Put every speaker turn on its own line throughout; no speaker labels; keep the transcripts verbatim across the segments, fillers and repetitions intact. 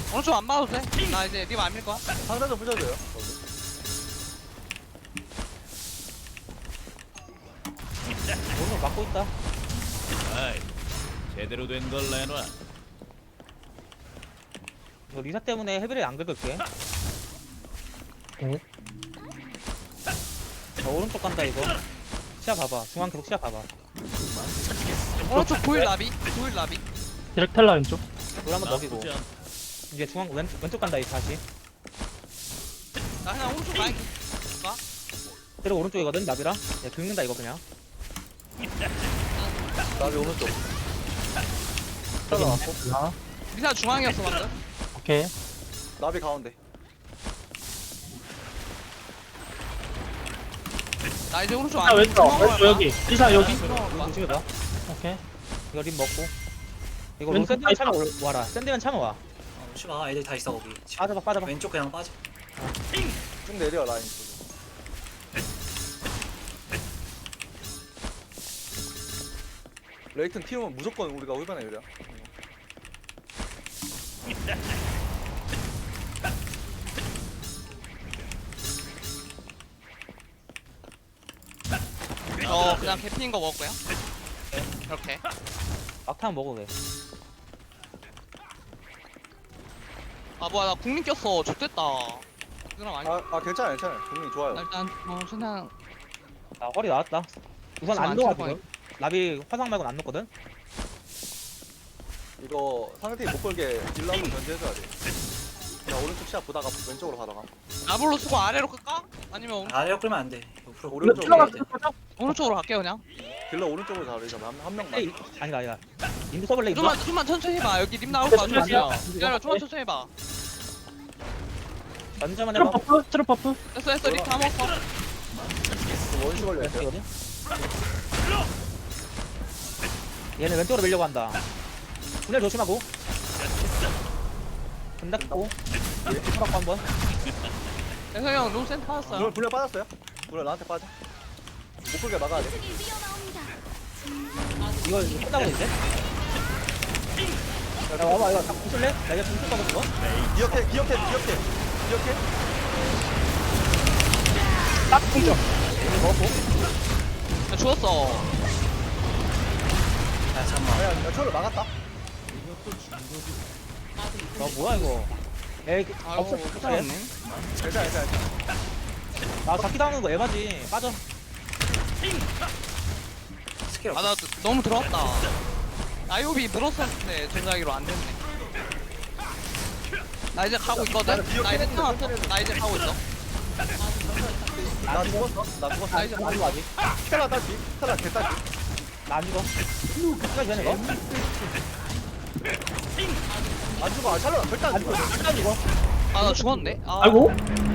오른쪽 안 봐도 돼. 나 이제 립 안 밀 거야.
상단 좀 부셔줘요.
오늘 막고 있다.
아이, 제대로 된 걸 내놔.
이거 리사 때문에 헤비를 안 긁을게.
응?
자, 오른쪽 간다 이거. 시야 봐봐. 중앙 계속 시야 봐봐.
오른쪽 보일 나비. 보일 나비.
디렉 텔라 왼쪽.
물 한번 먹이고.
나쁘지 않.
이제 중앙 왼, 왼쪽 간다 이 다시.
나 그냥 오른쪽 가야
그리고 오른쪽이거든 나비랑. 얘 긁는다 이거 그냥.
나비 오른쪽. 따라왔고.
아,
리사 중앙이었어 방금.
오케이.
나비 가운데.
나 이제 오른쪽
아,
안
왼쪽.
중앙으로
왼쪽
갈 거야.
여기. 리사 여기.
중앙으로 가.
조심해봐.
오케이.
이거 립 먹고. 이거
왼쪽
샌드맨
다
차면 올- 와라. 샌드맨 차면 와.
어, 쉬마 애들 다 있어 거기. 지금
빠져봐 빠져봐.
왼쪽 그냥 빠져.
쭉 내려 라인 쪽으로. 레이튼 튀우면 무조건 우리가 홀변해 유리야.
어 그냥 개피인 거 먹을 거야. 이렇게.
막타면 먹어 왜.
아 뭐야 나 국민 꼈어. 좋됐다. 이거랑 아니.
아, 아 괜찮아 괜찮아. 분명히 좋아요.
나 일단 어 그냥
아 허리 나왔다. 우선
지금
안
안
녹아
찰
지금. 나비 화상 말고는 안 녹거든.
이거 상대팀 못 걸게 딜러 한번 견제해줘야 돼. 그냥 오른쪽 시야 보다가 왼쪽으로 가다가.
나블로 쓰고 아래로 끌까? 아니면 오른-
아래로 끌면 안 돼. 옆으로
오른쪽
끌어야 돼.
오른쪽으로 갈게 그냥.
딜러 오른쪽으로 자르자. 한, 한 명만.
에이, 아니다 아니다. 인도 써볼래 인도.
좀만 좀만 천천히 해봐. 여기 님 나올 거
천천히
같아.
하자.
기다려 좀만 천천히 해봐.
전자만
트럭
해봐.
버프. 트럭 버프.
됐어 됐어 립다 먹었어.
원시 걸려 있어요.
왼쪽이거든. 얘는 왼쪽으로 밀려고 한다. 분열 조심하고. 끝났고. 이렇게 쳐갖고 한번.
대서 형 롱센 타왔어요.
분열 분열 빠졌어요? 분열 나한테 빠져. 못 걸게 막아야 돼.
이거 이거 끝나고 이제. 야 와봐 이거 다 부술래? 나 이거 중술 거거든 이거.
기억해 기억해 기억해 기억해.
딱 공격. 먹었고.
야, 죽었어.
야 잠만.
야, 야 초를 막았다.
아 뭐야 이거. 에이
아이고
없어.
괜찮네.
괜찮아 괜찮아.
나 잡기 당하는 거 에바지. 빠져.
스킬 없어.
아나 너무 들어왔다. 나이오비 늘었었는데 전자기로 안 됐네. 나 이제 가고 있거든. 나 이제 태어났어. 나 이제 가고 있어.
나 죽었어. 나 죽었어.
나 이제
안 죽어 아직.
스텔라 딸피. 스텔라 개딸피.
나 안 죽어. 끝까지 되는 거?
안 죽어. 아 샬롯 절대 안 죽어.
끝까지 죽어.
아 나 죽었는데. 아,
아이고.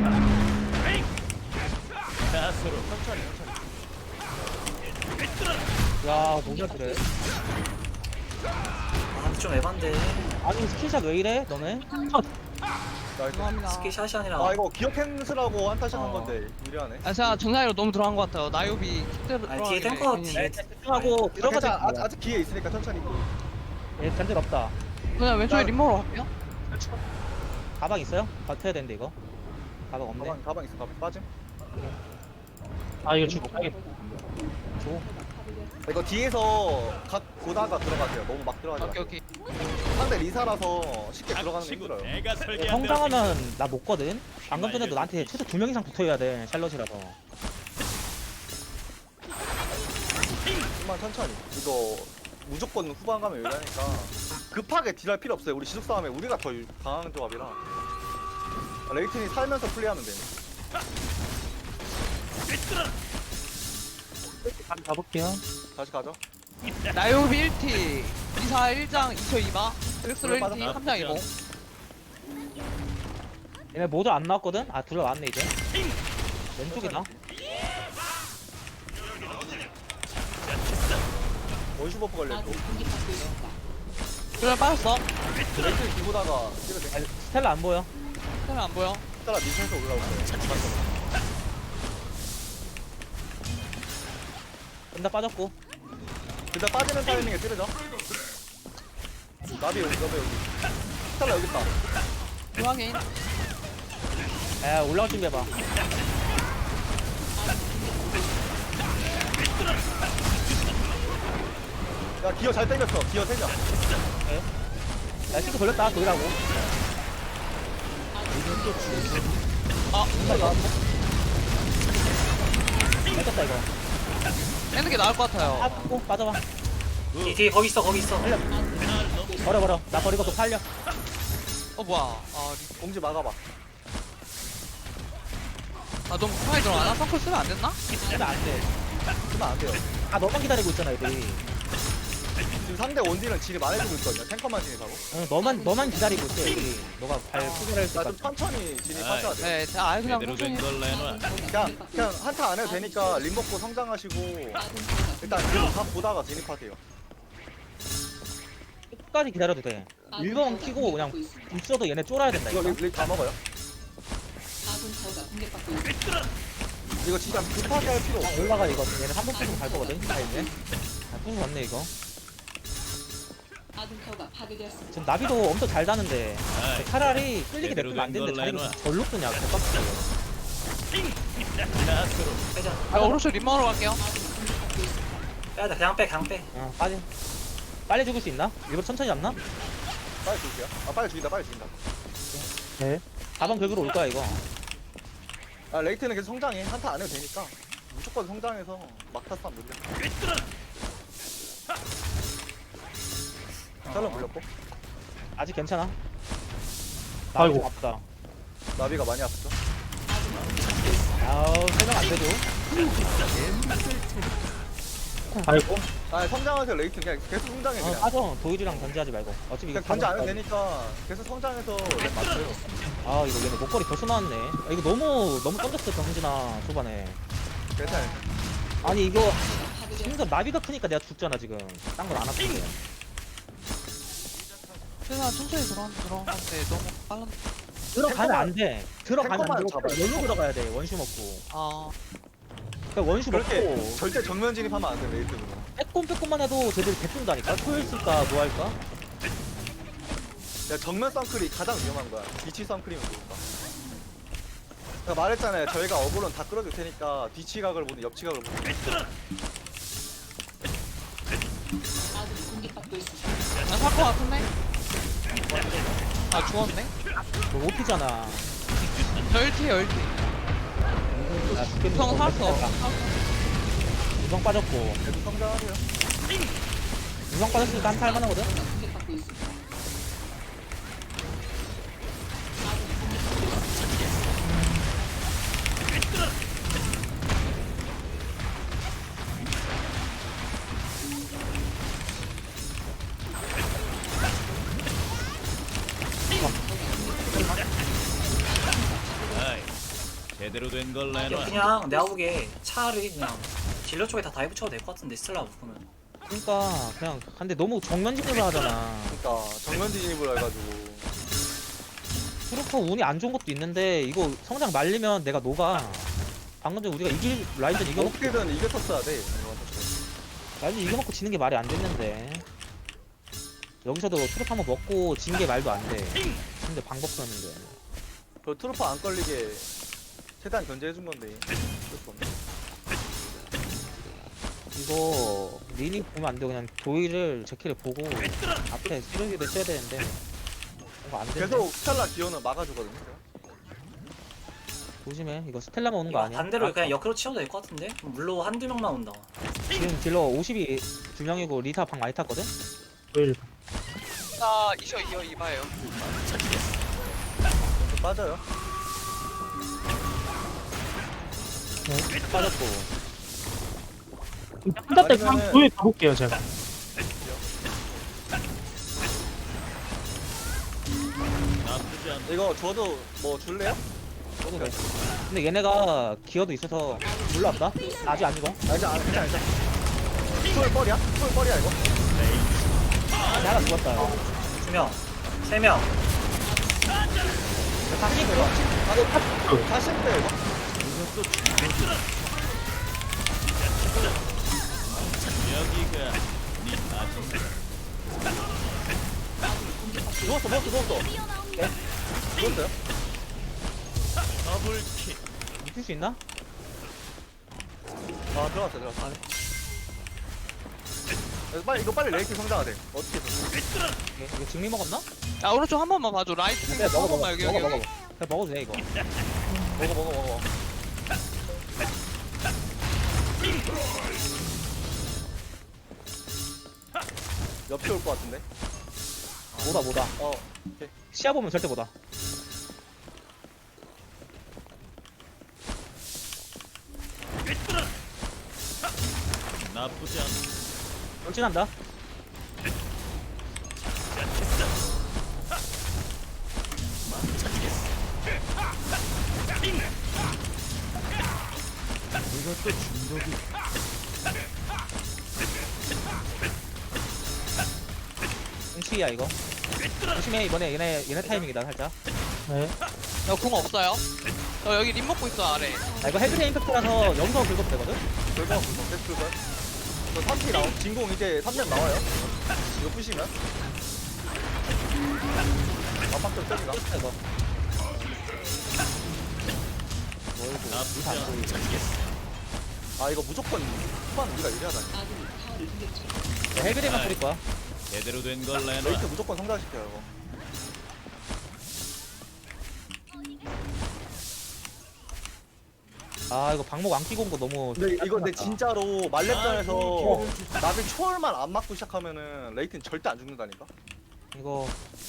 자수로.
천천히 천천히.
야 뭐냐 그래.
아좀 에반데.
아니 스킨샷 왜 이래 너네?
나이스.
죄송합니다.
스킬샷이 아니라.
아 이거 기억 캔슬하고 한타샷 한
어.
건데 유리하네.
아 제가 전자기로 너무 들어간 것 같아요. 나이오비 킥대로
아니, 뒤에
들어가길래
탱커
괜히.
뒤에.
집중하고
들어가자.
들어가자.
아직, 아직 기회 있으니까 천천히.
얘 견딜 없다.
그냥 왼쪽에
나-
림모로 갈게요.
가방 있어요? 버텨야 되는데 이거. 가방 없네.
가방 가방 있어. 가방 빠짐.
아 이거 죽어. 알겠다.
이거 뒤에서 각 보다가 들어가세요. 너무 막 들어가지
오케이
마세요.
오케이.
상대 리사라서 쉽게 들어가는 게
치고
힘들어요.
내가 설계한
성장하면 나 못 거든. 방금 전에도 나한테 최소 두 명 이상 붙어야 돼. 샬럿이라서.
좀만 천천히. 이거 무조건 후반 가면 유리하니까 급하게 딜할 필요 없어요. 우리 지속 싸움에 우리가 더 유- 강한 조합이라. 레이튼이 살면서 플레이하면 돼.
한 가볼게요.
다시 가죠.
나이오비 일 티. 이사 일 장 이 초 이 바. 드렉슬로 일 티
빠졌다.
삼 장 이고.
얘네 모두 안 나왔거든? 아 둘러 나왔네 이제. 왼쪽이다.
원슈 버프 걸려있고.
그래 빠졌어.
레이튼 뒤보다가 찍으세요.
아, 스텔라 안 보여.
때문에 안 보여.
따라 미션에서 올라오세요.
끝나 빠졌고.
일단 빠지는 타이밍에 찌르죠. 나비 여기, 나비 여기. 스텔라 여기 있다.
중앙에
야 올라갈 준비해봐.
야 기어 잘 땡겼어. 기어 세냐.
야 싱크 걸렸다 도이라고.
아
정말 나왔어. 뺏겼다 이거.
빼는 게 나을 것 같아요.
아 고 빠져봐.
뒤 뒤에 거기 있어 거기 있어.
버려 버려. 나 버리고 또 팔려.
어 뭐야? 아, 리-
공지 막아봐.
아 너무 급하게 들어가나? 선클 쓰면 안 됐나?
쓰면 안 돼.
쓰면 안 돼요.
아 너만 기다리고 있잖아 애들이.
지금 상대 원딜은 질이 많아지고 있거든요. 탱커만 진입하고.
어, 너만 너만 기다리고 있어 애들이. 너가 발 포기할
나 좀
때까지.
천천히 진입하셔야 돼.
네, 자, 아예 그냥
제대로
천천히.
된 걸 내놔.
그냥 그냥 한타 안 해도 되니까 림 먹고 성장하시고 일단 계속 다 보다가 진입하세요.
끝까지 기다려도 돼. 일 번 키고 그냥 있어도 얘네 쫄아야 된다
이거
이거.
립 다 먹어요. 이거 진짜 급하게 할 필요 없어.
올라가 이거. 얘네 한 번 빼고 갈 거거든. 다 이제. 아 뿌는 왔네 이거. 지금 나비도 엄청 잘 다는데
아이,
차라리 끌리게
제대로
냅두면 안
된
되는데
걸
자기가
내놔.
절로 끄냐 개빡쳐.
나스로
빼자.
아, 오른쪽 립망으로 갈게요.
빼야 돼. 그냥 빼 그냥 빼.
어 빠지. 빨리 죽을 수 있나? 일부러 천천히 잡나?
빨리 죽일게요. 아 빨리 죽인다 빨리 죽인다.
네.
사 번 긁으로 올 거야 이거.
아 레이트는 계속 성장해. 한타 안 해도 되니까 무조건 성장해서 막타 싸움 늘려. 샬럿 물렸고
아직 괜찮아.
아이고.
나비 좀 아프다.
나비가 많이 아프죠.
아우 설명 안 되죠.
아이고.
아 성장하세요. 레이트 그냥 계속 성장해
어
그냥.
빠져. 도일이랑 견제하지 말고. 어차피 이거
그냥 견제 안 해도
다
되니까 계속 성장해서 랩 맞춰요.
아 이거 얘네 목걸이 벌써 나왔네. 아, 이거 너무 너무 던졌어 정진아 초반에.
괜찮아요.
아니 이거 진짜 나비가 크니까 내가 죽잖아 지금. 딴 건 안 아픈데.
최대한 천천히 들어간 들어가는데 너무 빨라.
들어가면 안 돼. 들어가면 안
탱커만
되고
잡아요.
열로 들어가야 돼. 원슈 먹고.
아,
그러니까 원슈
그렇게
먹고
절대 정면 진입하면 안 돼. 레이트는.
빼꼼 빼꼼만 해도 쟤들이 개뜬다니까. 토일 쓸까 뭐 할까?
야 정면 썬클이 가장 위험한 거야. 뒤치 썬클이면 좋을까? 제가 말했잖아요. 저희가 어그론 다 끌어줄 테니까 뒤치각을 보든 옆치각을 보든.
나살것 같은데? 아 죽었네?
너 오피잖아.
열티 열티.
나 죽겠는
형 살았어.
유성 빠졌고.
계속 성장하세요.
유성 빠졌으니까 한타 할만하거든?
아이, 제대로 된 걸 내놔.
그냥 내가 보기에 차라리 그냥 딜러 쪽에 다 다이브 쳐도 될 것 같은데 스텔라 묶으면.
그러니까 그냥 근데 너무 정면 진입을 하잖아.
그러니까 정면 진입을 해가지고.
트루퍼 운이 안 좋은 것도 있는데 이거 성장 말리면 내가 녹아. 방금 전 우리가 이길 라인전 이겨놓고
어떻게든 이겼었어야 돼.
라인전 이겨놓고 지는 게 말이 안 됐는데 여기서도 트루퍼 한번 먹고 진 게 말도 안 돼. 근데 방법 썼는데.
그 트루퍼 안 걸리게 최대한 견제해준 건데. 어쩔 수 없네.
이거 리니 보면 안 돼. 그냥 도일을 제키를 보고 앞에 쓰레기를 쳐야 되는데 이거 안 되네.
계속 스텔라 기어는 막아주거든요.
조심해. 이거 스텔라만 오는 거
이거
아니야?
반대로
아,
그냥 역으로 치워도 될 것 같은데? 물로 한두 명만 온다.
지금 딜러 오십이 두 명이고 리타 방 많이 탔거든?
도일.
나 이셔 이어 이봐요.
좀 빠져요.
빠졌고.
한타 때 그냥
아니면은-
도일 가볼게요 제가.
나쁘지 않다.
이거 저도 뭐 줄래요?
저도 돼. 근데 얘네가 기어도 있어서 올라왔다? 아직 안 죽어?
아 이제 안 괜찮아 괜찮아. 소울 뻘이야? 소울 뻘이야 이거?
아직 하나 죽었다.
두 명, 세 명.
다시 이거.
아니 다시 때 이거?
여기가 네 아직
누웠어 누웠어 누웠어. 죽었어요?
더블킥.
미칠 수 있나?
아 들어갔어 들어갔어. 이거 빨리 이거 빨리 레이팅 성장해야 돼. 어떻게 해서?
이게, 이거 증리 먹었나?
야 오른쪽 한 번만 봐줘. 라이트
그래
생각
먹어
한
먹어
번만 여기
먹어
여기
먹어
여기.
그래 먹어도 돼 이거.
먹어 먹어 먹어. 옆에 올 것 같은데?
뭐다 뭐다.
어.
시야 보면 절대 뭐다.
나쁘지 않아.
돌진한다.
이것도 중독이.
응치야 이거. 조심해 이번에 얘네 얘네 타이밍이다 살짝.
네.
야궁 없어요. 저 여기 림 먹고 있어 아래.
아 이거 헤드레 임팩트라서 여기서 긁어도 되거든?
불법 불법 계속 불법. 저 삼 피 나오. 진공 이제 삼 렙 나와요. 이거 부시면. 압박좀 세지나?
끝 이거.
나쁘지
안
않아.
보이고.
아 이거 무조건 후반 우리가 유리하다니.
야, 헤드레만 뿌릴 거야.
제대로 된 걸 내놔.
레이트 무조건 성장시켜요 이거.
아 이거 방목 안 끼고 온 거 너무.
근데 이거 근데
짜증났다.
진짜로 말렙전에서 나비 초월만 안 맞고 시작하면은 레이트는 절대 안 죽는다니까.
이거.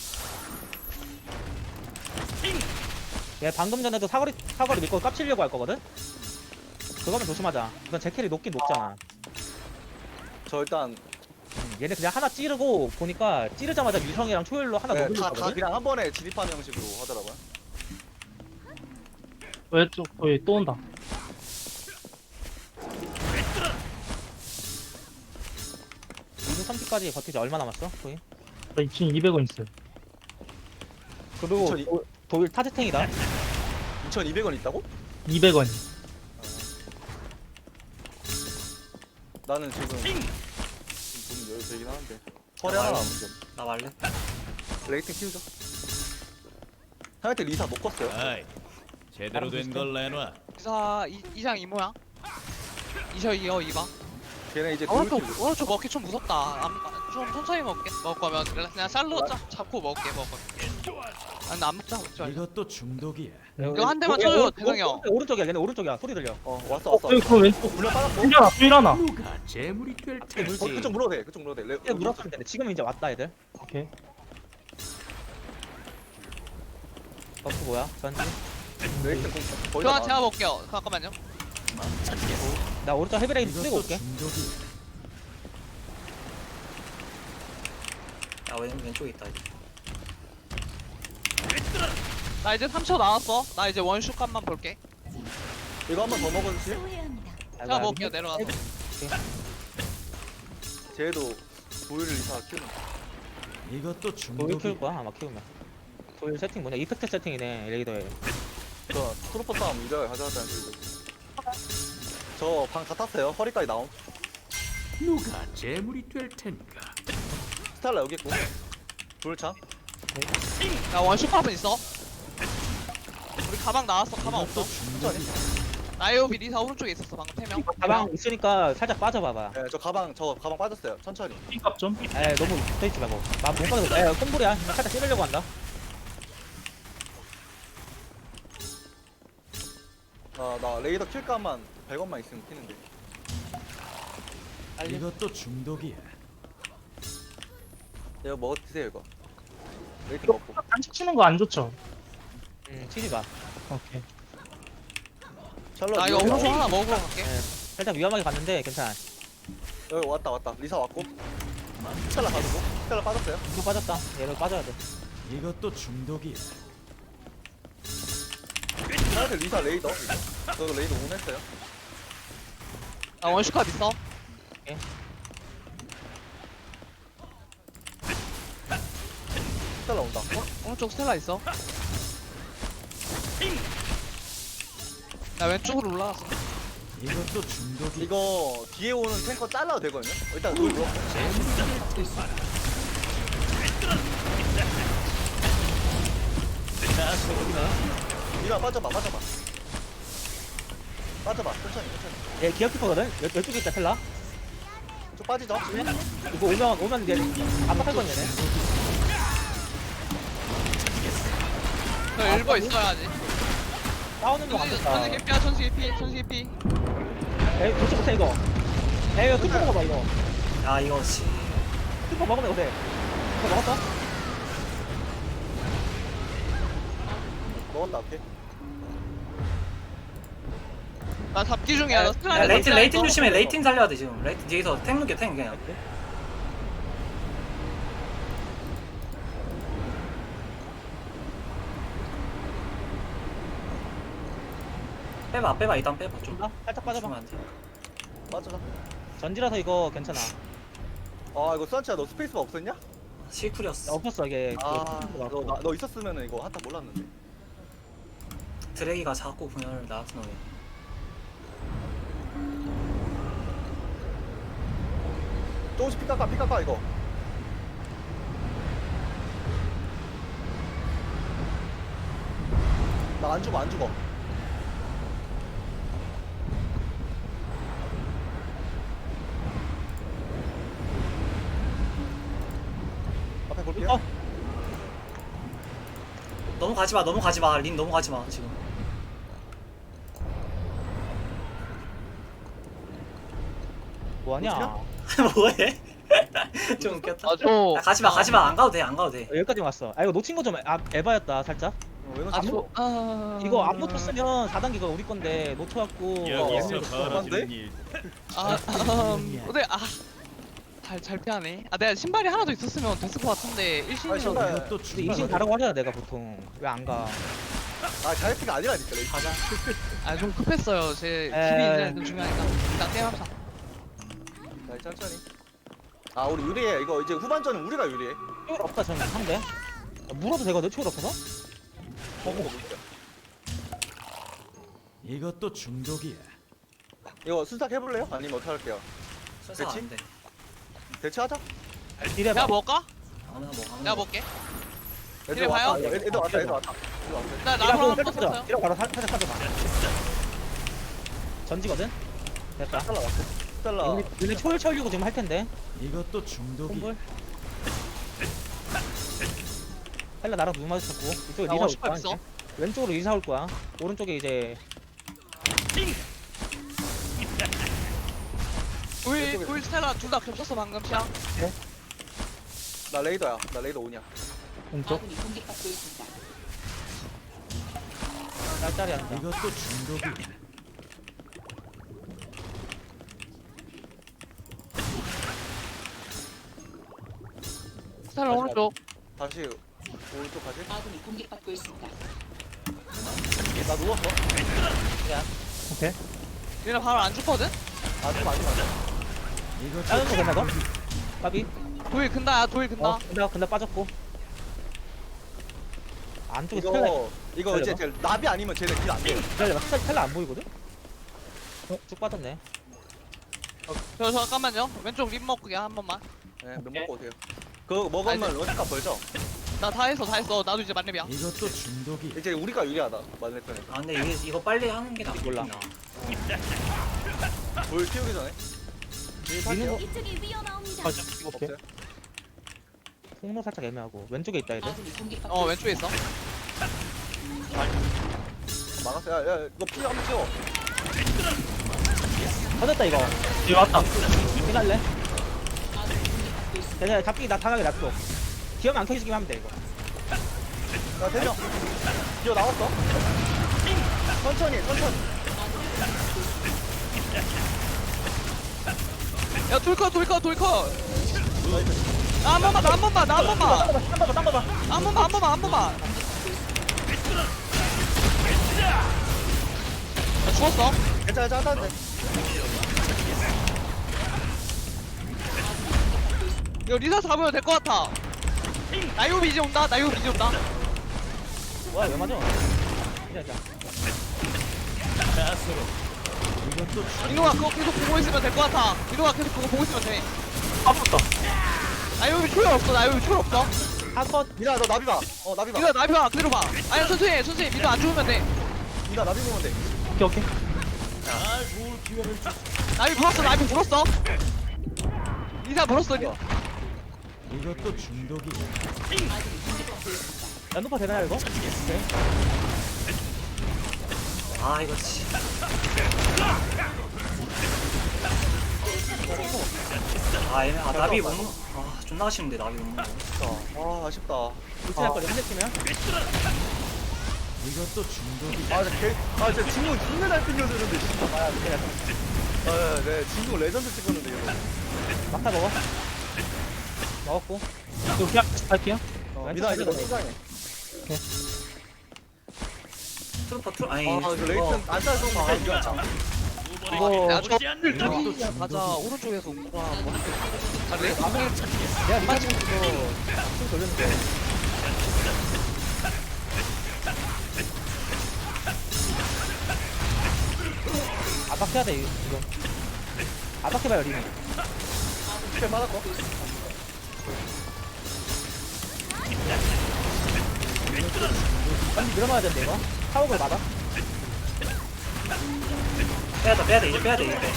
얘 방금 전에도 사거리 사거리 믿고 깝치려고 할 거거든? 그거면 조심하자. 이건 제캐리 높긴 높잖아.
저 일단
음, 얘네 그냥 하나 찌르고 보니까 찌르자마자 유성이랑 초열로 하나
네,
녹을
다, 다
거거든?
그냥 한 번에 진입하는 형식으로 하더라고요.
왼쪽 거의 또 온다.
이분 피까지 버티지 얼마 남았어? 거의?
저 지금 이백 원 있어요.
그리고
이천이-
도, 도일 타즈탱이다.
이천이백 원 있다고?
이백 원.
나는 지금 좀 돈이 여유 되긴 하는데 허리 하나 남은 점.
나 말래?
레이팅 키우죠. 형한테 리사 못 껐어요.
아이, 제대로 된 걸 내놔.
이사 이 이장 이모야. 이셔 이어 이봐.
걔네 이제
아, 오른쪽
돌킬.
오른쪽 먹기 좀 무섭다. 안, 좀 천천히 먹게. 먹을 거면 그냥 그냥 샬로 잡, 잡고 먹게 먹을 거면. 아 근데 안 먹자 먹지 말자.
이것도 중독이야.
이거 한 대만
야,
쳐줘요,
오른-
대성이 형.
오른- 오른쪽이야 얘네 오른쪽이야 소리 들려.
어 왔어
어,
왔어.
여기 그 왼쪽.
물려 빠졌고.
일하나, 또 일하나.
누가 재물이 될
앞에
테니.
물지.
어, 그쪽 물어도 돼. 그쪽 물어도 돼. 레,
그때 물었으면 되는데 지금 이제 왔다 애들.
오케이.
버프 뭐야? 전지.
레이팅 공 거의
교환
다
제가 먹게요. 잠깐만요.
나 오른쪽 헤비레인 쓰고
이것도
올게.
중독이야.
야 왼, 왼쪽에 있다 이제.
나 이제 삼 초 나왔어. 나 이제 원슈 값만 볼게.
이거 한 번 더 먹어주시.
제가 먹을게요 내려가서.
쟤도 도일을 리사 키우는.
이것도
도일
중독이야.
키울 거야 아마 키우면. 도일 세팅 뭐냐? 이펙트 세팅이네 레이더에.
저 트로퍼 싸움 이제 가져왔다는 소리도. 저 방 다 탔어요. 허리까지 나옴.
누가 재물이 될 테니까.
스텔라 여기 있고. 돌참.
나 원슈 값은 있어. 우리 가방 나왔어. 가방 없어.
천천히.
나이오비 리사 오른쪽에 있었어 방금 세 명.
가방 있으니까 살짝 빠져봐봐.
네, 저 가방 저 가방 빠졌어요. 천천히.
삐값 좀.
에 너무 붙어있지 말고. 나못 빠져. 에 콤볼이야. 살짝 찌르려고 한다.
아, 나 레이더 킬감만 백 원만 있으면 키는데.
이것도 중독이야.
이거 먹어 드세요 이거. 레이팅
이거
먹고.
단식 치는 거 안 좋죠?
음 치지 마.
오케이.
샬롯.
나 이거
여기
오른쪽
나와.
하나 먹으러 갈게.
살짝 위험하게 갔는데 괜찮아.
여기 왔다 왔다. 리사 왔고. 스텔라 가지고. 스텔라 빠졌어요.
이거 빠졌다. 얘를 빠져야 돼.
이것도 중독이야.
나한테 리사 레이더. 이거. 저 레이더 오냈어요.
나 원슈 값 있어.
스텔라 온다.
오른쪽 스텔라 있어. 나 왼쪽으로 올라갔어.
이것도 중독이야.
이거 뒤에 오는 탱커 잘라도 되거든요. 일단 돌 물어.
나서
텔라 빠져봐 빠져봐 빠져봐 천천히 천천히
얘 기어키퍼거든? 열쪽에 있다 텔라.
좀 빠지죠
이거 오면 오면 이제 압박할 건 얘네.
저 일버 있어야지.
싸우는 거
천수
같겠다.
천수 개피야 천수 개피 천수 개피.
에이 도치 못해 이거. 에이 이거 뚜껑 먹어봐 이거.
야 이거 씨.
뚜껑 먹으면 어때? 이거 먹었어?
먹었다 오케이
나 잡기 중이야. 나
야,
스크라이드
레이튼
넣지
레이튼
않았어.
조심해. 레이튼 살려야 돼 지금. 레이튼 뒤에서 탱 누겨 탱 그냥. 빼봐 빼봐 일단 빼봐 좀.
아, 살짝 빠져봐.
주면 안 돼.
빠져라
전지라서 이거 괜찮아.
아 이거 수환치야 너 스페이스가 없었냐?
실쿨이었어.
없었어 이게.
아
그거
너, 나, 너 있었으면 이거 한타 몰랐는데
드래기가 자꾸 분열을 나한테 넣어.
조금씩 피 깎아 피 깎아 이거 나 안 죽어 안 죽어 앞에 볼게요
어?
너무 가지 마 너무 가지 마. 린 너무 가지 마 지금.
뭐하냐?
뭐해? 좀 웃겼다.
아, 저.
야, 가지 마 가지 마. 안 가도 돼 안 가도 돼.
여기까지 왔어. 아 이거 놓친 거 좀 아, 에바였다 살짝.
어, 왜
아,
놓쳤어?
저. 아.
이거 안 놓쳤으면 사 단계가 우리 건데 놓쳐갖고.
여기서
어,
벌어지는 일.
아, 음, 근데 아. 잘, 잘 피하네. 아, 내가 신발이 하나 더 있었으면 됐을 것 같은데,
아,
일신이라서.
신발.
이것도
근데 이신 가라고 하잖아 내가 보통. 왜 안 가?
아 자이트가 아니라니까 레이트
가자.
아, 좀 급했어요. 제
에.
팁이 이제 좀 중요하니까. 일단 게임합시다.
자 천천히 아 우리 유리해 이거 이제 후반전은 우리가 유리해
초월 없다 저는 상대. 물어도 되거든 초월 없어서?
먹은 거 볼게요
이것도 중독이야.
이거 순삭 해볼래요? 아니면 어떻게 할게요?
순서
그치?
안 돼.
대체하자
이래
내가
봐.
먹을까?
아무나 뭐 아무나.
내가
뭐.
먹게.
애들
이래 봐요?
왔다 애들 애들 왔다 애들 왔다 애들 왔다
나
이래
나무
고
한번
살짝
썼어요.
빠져. 이래 바로 살- 살짝 빠져봐. 전지거든. 됐다.
스텔라 왔어 스텔라
얘네 얘네 초월 채우려고 지금 할 텐데.
이것도 중독이야.
콤볼. 헬라 나랑 눈 마주쳤고 이쪽에
나
리사 올
오십
거야.
있어.
이제. 왼쪽으로 리사 올 거야. 오른쪽에 이제
도일, 도일 스텔라 둘 다 겹쳤어, 방금 시야.
나 레이더야 나 레이더 오냐
왼쪽.
짤짤이 한다.
이것도 중독이야.
스텔라 오른쪽.
다시 오른쪽 가지
아군이 공격받고 있습니다.
나 누웠어
오케이.
얘네 바로 안 죽거든?
아좀 아직 안돼
이것도
다른 거 됐나 너? 까비?
도일 근다, 야, 도일 근다.
어 근데 근데 빠졌고 안쪽에 스텔라
이거 이거 이제 제 나비 아니면 쟤네 딜 안돼요
기다려봐 스텔라, 스텔라 안 보이거든? 어? 쭉 빠졌네.
저, 저, 잠깐만요. 왼쪽 립 먹게 한 번만.
네몇 먹고 오세요 그거 먹으면 런치값 벌죠?
나 다 했어, 다 했어. 나도 이제 만렙이야.
이것도 중독이야.
이제 우리가 유리하다 만렙편에서
아 근데 이게 이거 빨리 하는 게 낫겠다.
몰라.
돌 키우기 전에 딜
미는 거
탈게요
이쪽이 위험합니다.
가자.
오케이.
없어요?
통로 살짝 애매하고 왼쪽에 있다 얘들.
아군이 공격받고
어, 왼쪽에 있어.
막았어 야야 이거 피 한번 채워
터졌다 이거.
여기 왔다.
피날래? 얘네 잡기 나 당하게 놔둬. 기어만 안 켜지기만 하면 돼 이거.
야 대명 기어 나왔어 천천히 천천히
야, 돌컷, 돌컷, 돌컷. 나 한 번만, 나 한 번만, 나 한 번만.
딴 봐봐 딴 봐봐.
한 번만, 한 번만, 한 번만. 나 죽었어.
괜찮아 괜찮아 괜찮아
이거 리사 잡으면 될 것 같아. 나이오비 이제 온다, 나이오비 이제 온다.
뭐야 왜 맞아? 이자 이자.
가스로. 이것도
민호가 그거 계속 보고 있으면 될 것 같아. 민호가 계속 그거 보고 있으면 돼.
아무것도.
나이오비 초월 없어, 나이오비 초월 없어.
한컷
미나 너 나비 봐어 나비 봐
민호야, 나이오비 봐, 그대로 봐. 아니, 천천히 해, 천천히. 민호 안 죽으면 돼.
미나 나비 보면 돼.
오케이 오케이.
나비 불었어 나비 불었어 리사 불었어 리-
이것도 중독이.
연노파 되나요 이거? 오케이.
아 이거 씨. 아 애매 아 나비 못 먹- 아 존나 아쉬운데 나비 못 먹어.
아 아쉽다.
불친할 거리 한대 치면?
이것도 중독이.
아 진짜 개, 아 진짜 진국 존나 잘 튕겨주는데 진짜. 아 그냥. 아, 네, 진국 레전드 찍었는데 이거.
막타 먹어. 먹었고.
이거 그냥 갈게요.
어, 미나 이거 너 수상해.
트루퍼 트루 아니
아, 저 레이튼 안 짜서 막 이겼다.
이거
야 저거 나비야 가자 오른쪽에서 오구나 아 레이 아
내가 리사 지금 이거 좀 돌렸는데. 압박해야 돼 이거. 압박해봐요 리는.
스킬 받았고.
빨리 밀어놔야 된대 이거. 타워를 받아.
빼야돼 빼야돼 이제 빼야돼 이제 빼.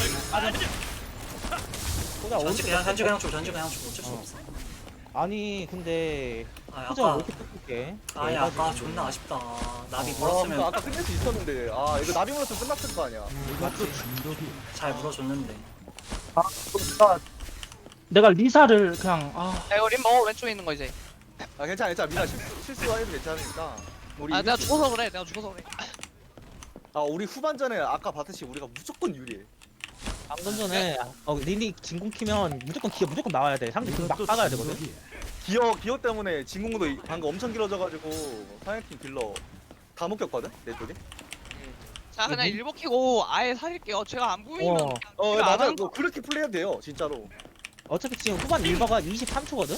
보자
전지
오른쪽.
그냥 전지 그냥 쪽 전지 그냥 쪽 어쩔 수
어.
없어.
아니 근데
아
표정을
아까
왜 이렇게 뜯을게?
아니 아까 존나 아쉽다. 나비
아, 그러니까
물었으면
아까 끝낼 수 있었는데. 아, 이거 나비 물었으면 끝났을 거 아니야.
이것도 중독이.
잘 물어줬는데.
아 나, 내가 리사를 그냥 아
야 이거 림 먹어 왼쪽에 있는 거 이제
아, 괜찮아, 괜찮아. 미나 실수, 실수해도 괜찮으니까. 우리
아 내가
이길 수
죽어서 그래 내가 죽어서 그래
아 우리 후반전에 아까 봤듯이 우리가 무조건 유리해.
방금 전에 어, 린이 진공 키면 무조건 기어 무조건 나와야 돼. 상대 막
이것도
박아야 되거든.
중독이.
기어 기어 때문에 진공도 이- 방금 엄청 길어져가지고 상해팀 딜러 다 묶였거든 내 쪽에.
자 그냥 일보 키고 아예 살릴게요 제가 안 보이면
어.
어
제가 안
맞아.
하는
뭐 그렇게 플레이해도 돼요 진짜로.
어차피 지금 후반 일버가 이십삼 초거든.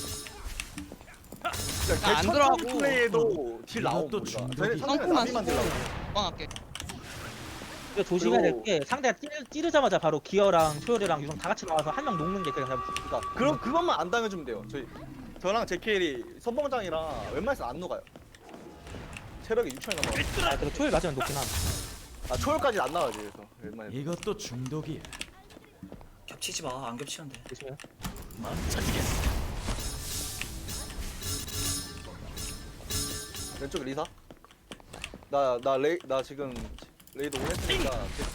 진짜
안
개
들어가고.
천천히 플레이해도 딜 나옴
이것도
우리가.
중독이.
저희 상대는
성공만
나비만 딜 나옴.
뻥할게
이거 조심해야
그리고-
될 게 상대가 찌르, 찌르자마자 바로 기어랑 초열이랑 유성 다 같이 나와서 한 명 녹는 게 그냥
그러니까 그럼 그것만 안 당해주면 돼요. 저희 저랑 제케일이 선봉장이랑 웬만해서 안 녹아요. 체력이 육천이 넘어.
아, 그래 초열 맞으면 녹긴 함.
아 초월까지 안 나와야지 그래서 웬만해.
이것도 중독이야.
겹치지 마. 안 겹치면 돼.
조심해.
왼쪽 리사. 나 나 레이 나 지금 레이드 온 했으니까.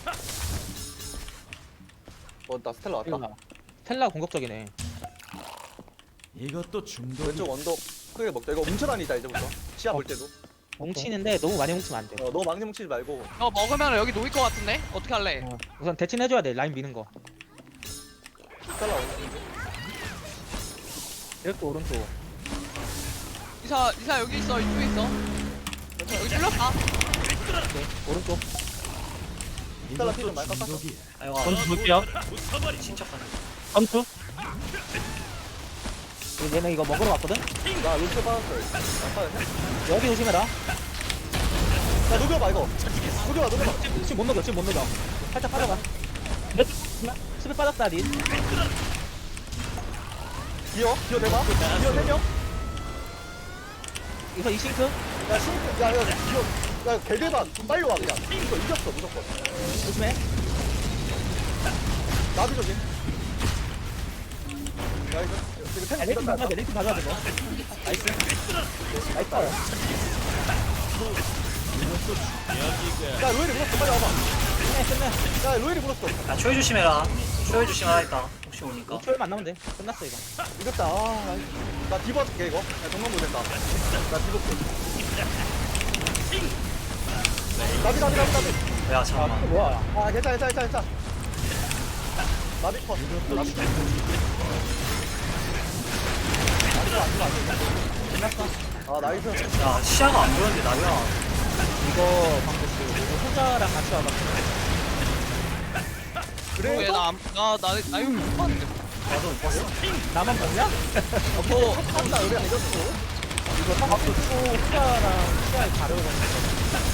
어나 스텔라 왔다.
이거 스텔라 공격적이네.
이것도 중독이.
왼쪽 언덕 크게 먹자. 이거 뭉쳐다니다 이제부터. 시야 볼 때도.
뭉치는데 너무 많이 뭉치면 안 돼.
어, 너무 망치 뭉치지 말고.
어 먹으면 여기 놓일 것 같은데? 어떻게 할래?
어, 우선 대칭 해줘야 돼. 라인 미는 거.
스텔라 오는데.
이렇게 오른쪽.
이사 이사 여기 있어 이쪽에 있어 여기 찔렀다
오케이. 오른쪽.
스텔라 피좀
이것도
많이 깎았어.
중독이야.
아이고
전투 볼게요.
친척하네.
전투.
그리고 얘네 이거 먹으러 왔거든.
나 루트 받았어. 안 받았냐?
여기 조심해라.
야 녹여봐 이거. 녹여봐 녹여봐.
지금 못 녹여. 지금 못 녹여. 살짝 빠져봐. 수비 빠졌다 린.
기어 기어 대봐. 기어 세 명.
이거 이 싱크.
야 싱크. 야야 기어. 야 개대박. 빨리 와 그냥. 이거 이겼어 무조건.
조심해.
나비 조심. 야 이거 이거 템
야, 레이팅
이겼다.
봐줘야 돼. 레이팅 봐줘야 돼. 뭐. 나이스. 나이스.
야 로엘이 물었어 빨리 와봐.
끝내 끝내.
야 로엘이 물었어.
야 초회 조심해라. 초회 조심하라 했다. 혹시 오니까.
이 초열만 나면 돼. 끝났어 이거.
이겼다. 아, 나이스. 나 디버할게 이거. 야 정말 못했다. 나 디버할게. 나비 나비 나비 나비.
야
아
잠깐만.
이거 뭐야?
아 괜찮아 괜찮아 괜찮아 괜찮아. 나비 컷. 나비 컷. 아 나이스.
야 시야가 안 보였는데 나비야.
이거 방금 그 호자랑 같이 와봐.
그래.
얘나나나 나 이거 못 봤는데
나도 못 봤어.
나만 봤냐?
어, 한다 우리가 이겼어.
이거 방금 또 호자랑 시야에 가려고.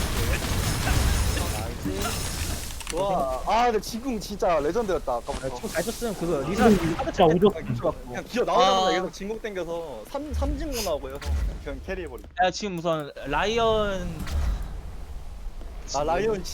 와, 아, 근데 지금 진짜 레전드였다 아까부터.
지금 잘 쳤으면 그거 리사
음,
하드
진짜 오죠.
그냥 기어 나오자마자
아.
계속 진공 땡겨서 삼 삼진공 나오고 해서 그냥 캐리해버리.
야 지금 우선 라이언
아 라이온